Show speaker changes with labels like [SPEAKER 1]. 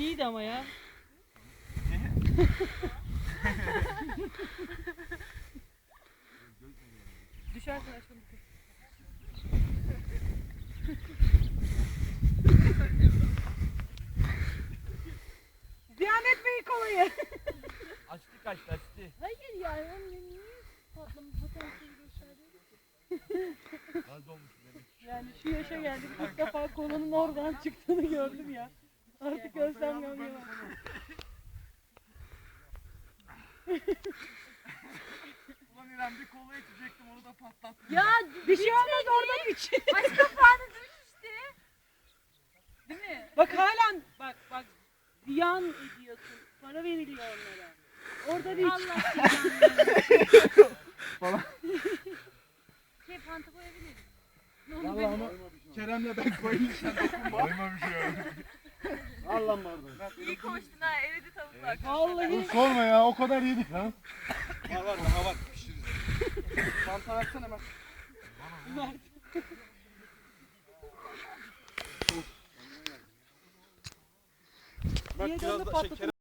[SPEAKER 1] İyiydi ama ya. Düşersin aşkım. Ziyan etmeyin kolayı.
[SPEAKER 2] Açtı kaçtı açtı.
[SPEAKER 1] Hayır yani onun niye patlama potansiyeli gösteriyor?
[SPEAKER 2] Gaz olmuş demek.
[SPEAKER 1] Yani şu yaşa geldik. İlk defa kolunun oradan çıktığını gördüm ya. Artık ölsem yanıyor.
[SPEAKER 2] Ulan İrem bir kola içecektim onu da patlattım.
[SPEAKER 1] Ya bir şey olmaz orada iç.
[SPEAKER 3] Aç kapağını düş işte. Değil mi?
[SPEAKER 1] Bak halen bak ziyan ediyorsun. Para veriliyor onlara. Orada bir iç.
[SPEAKER 3] Allah cezanı.
[SPEAKER 2] Falan.
[SPEAKER 3] Panta koyabilirim.
[SPEAKER 2] Vallahi ama Kerem'le ben koyayım sen dokunma.
[SPEAKER 4] Koymamış ya.
[SPEAKER 2] Al lan bardağı.
[SPEAKER 3] İyi koştun ha, eridi tavuklar.
[SPEAKER 1] Vallahi
[SPEAKER 4] Sorma ya o kadar yedik ha.
[SPEAKER 2] Var daha var pişiririz. Fanta versene hemen.
[SPEAKER 1] Mert.
[SPEAKER 2] Bak
[SPEAKER 1] Niye
[SPEAKER 2] biraz
[SPEAKER 1] canını
[SPEAKER 2] da
[SPEAKER 1] patlatın?
[SPEAKER 2] şeker